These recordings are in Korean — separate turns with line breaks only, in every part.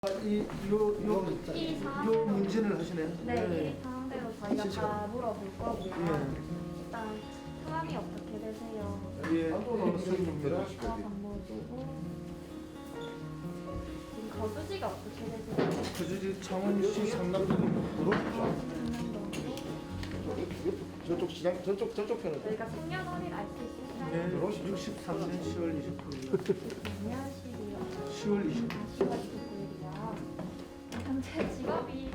요 문진을 하시네요.
네,
네.
이 상대로 저희가 다 물어볼 거고요.
예.
일단 성함이 어떻게 되세요?
예, 선생님입니다.
박모주고 지금 거주지가 어떻게 되세요?
거주지 창원시 상남동으로
저쪽 편은
저희가 생년월일 알 수 있을까요?
네, 63년 10월 29일.
안녕하시고요.
10월 29일.
10월 29일이요. 현재 직업이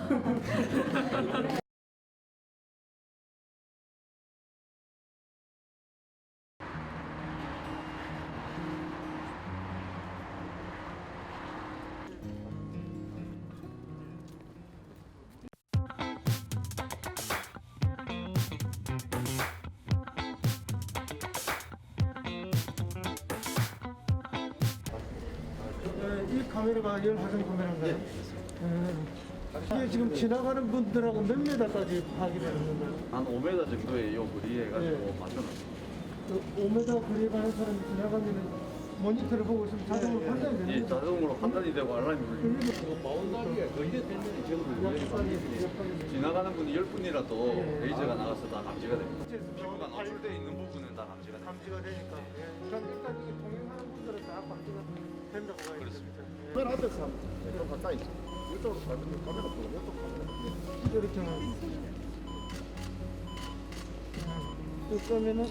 이 카메라가 열화상 카메라인가요? 이게 지금 지나가는 분들하고 몇 메다까지 파악이 되는 건가요?
한 5m 정도의 요 거리에 가지고
네.
맞춰놨습니다.
5m 거리에 가는 사람이 지나가면 모니터를 보고 있으면 자동으로 판단이 되는
예,
거죠?
자동으로 판단이 되고 알람이 울립니다.
바운다리가 거의 되면 지금
지나가는 분이 10분이라도
예.
레이저가 나가서 다 감지가 됩니다. 피부가 노출되어 있는 부분은 다 감지가 됩니다.
감지가 되니까. 예. 그럼 일단 이게 통행하는 분들은 다 감지가 된다고 봐야
그렇습니다.
되겠죠?
맨 앞에서 좀 가까이 있어. 이쪽으로 가면 카메라 보고 이쪽 카메라.
이렇게 하면. 그러면은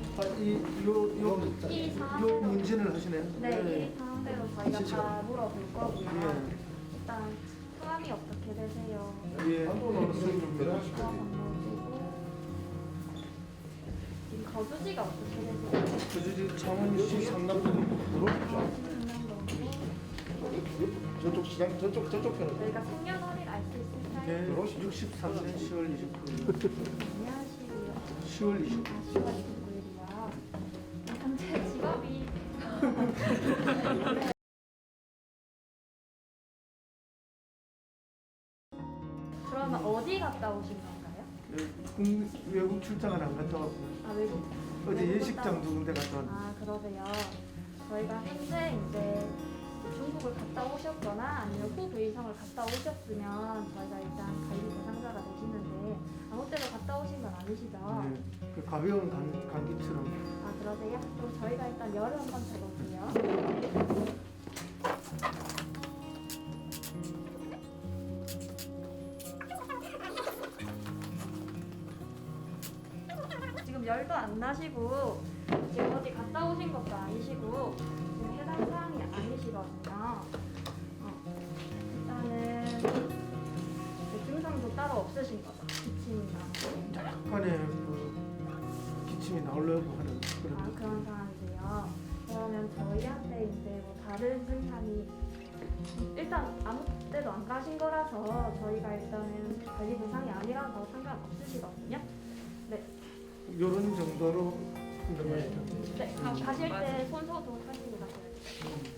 요 문진을 하시네요.
네, 이 상대로 저희가
진짜.
다 물어볼 거고요.
예.
일단 성함이 어떻게 되세요?
예, 선생님입니다.
박모주고 지금 거주지가 어떻게 되세요?
거주지 창원시 상남동으로
저쪽 편은
저희가 생년월일 알 수 있을까요?
네, 63년 10월 29일.
안녕하시고요.
10월 29일.
10월 29일이요. 현재 직업이 그러면 어디 갔다 오신 건가요?
외국 출장을 안 갔다 왔고요.
아 외국.
어제
외국
예식장
갔다
두 군데 갔다 왔는데.
아 그러세요. 저희가 현재 이제 중국을 갔다 오셨거나 아니면 후 베이성을 갔다 오셨으면 저희가 일단 관리 대상자가 되시는데 아무 때나 갔다 오신 건 아니시죠?
네, 그 가벼운 감기처럼.
아 그러세요? 그럼 저희가 일단 열을 한번 재볼게요. 지금 열도 안 나시고 지금 어디 갔다 오신 것도 아니시고 지금 해당 사항이 아니시거든요. 일단은 증상도 따로 없으신 거죠? 기침이나
약간의 그 기침이 나오려고 하는 그런.
그런 상황이세요. 그러면 저희한테 이제 뭐 다른 증상이 일단 아무 때도 안 가신 거라서 저희가 일단은 관리 대상이 아니라서 상관없으시거든요. 네.
이런 정도로 한다면
네. 가실 때 손 소독 하시고 가셔야 돼요.